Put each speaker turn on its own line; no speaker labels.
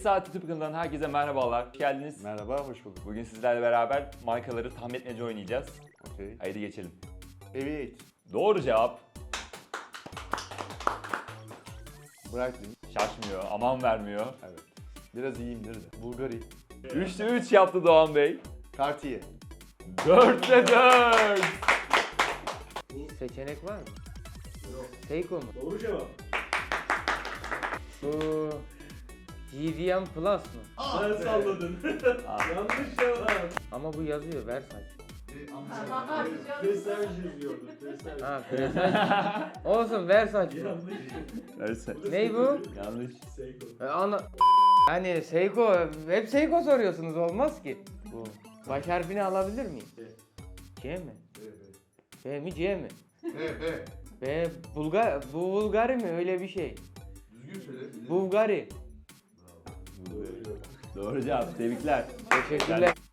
Saat YouTube kanalından herkese merhabalar. Hoş geldiniz.
Merhaba, hoş bulduk.
Bugün sizlerle beraber markaları tahmin etmece oynayacağız.
Okey.
Haydi geçelim.
Aviate,
Doğru cevap.
Breitling,
Şaşmıyor, aman vermiyor.
evet. Biraz iyiyimdir de. Bulgari,
3'te 3 yaptı Doğan Bey.
Cartier,
4'te 4.
Seçenek var mı? Yok. Seiko mu?
Doğru cevap.
Bu GDM Plus mu?
Sen salladın. Yanlış cevap.
Ama bu yazıyor Versace.
Presaj yazıyordu. Presaj.
Ha Versace. Olsun Versace.
Yanlış.
Neyse.
Ney bu?
Yanlış.
Seiko.
Hani Seiko, hep Seiko soruyorsunuz olmaz ki. Bu. Baş harfini alabilir miyim? C mi? B mi C mi? B Bulgari mi öyle bir şey?
Düzgün söyle.
Bulgari.
Doğru cevap. Tebrikler.
Teşekkürler.